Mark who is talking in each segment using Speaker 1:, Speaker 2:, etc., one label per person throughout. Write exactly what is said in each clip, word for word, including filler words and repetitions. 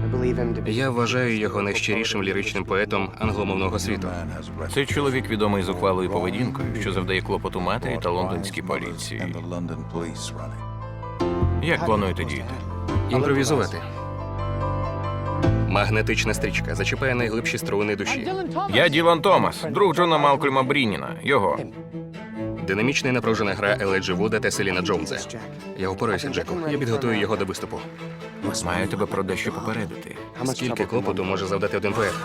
Speaker 1: Я вважаю його найщирішим ліричним поетом англомовного світу.
Speaker 2: Цей чоловік відомий зухвалою поведінкою, що завдає клопоту матері та лондонській поліції. Як плануєте діяти?
Speaker 1: Імпровізувати. Магнетична стрічка зачіпає найглибші струни душі.
Speaker 2: Я Ділан Томас, друг Джона Малкольма Брініна. Його.
Speaker 1: Динамічна і напружена гра Елайджі Вуда та Селіна Джонса. Я упораюся, Джеку. Я підготую його до виступу.
Speaker 2: Маю тебе про дещо попередити.
Speaker 1: Скільки клопоту може завдати один поет?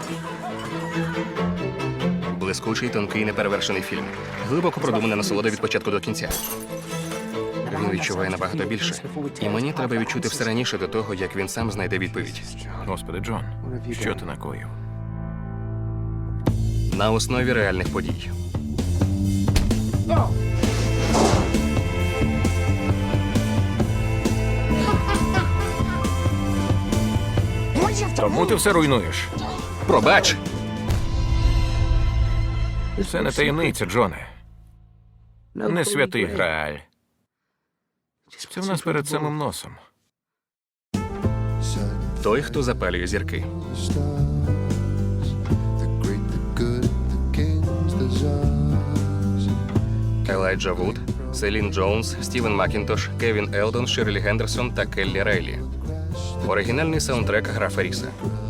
Speaker 1: Блискучий, тонкий, неперевершений фільм. Глибоко продумана насолода від початку до кінця. Він відчуває набагато більше. І мені треба відчути все раніше до того, як він сам знайде відповідь.
Speaker 2: Господи, Джон, що ти накоїв?
Speaker 1: На основі реальних подій.
Speaker 2: Тому ти все руйнуєш.
Speaker 1: Пробач!
Speaker 2: Це не таємниця, Джоне. Не святий Грааль. Це в нас перед самим носом.
Speaker 1: Той, хто запалює зірки. Елайджа Вуд, Селін Джонс, Стівен Макінтош, Кевін Елдон, Ширлі Гендерсон та Келлі Рейлі. Оригінальний саундтрек графа Ріса.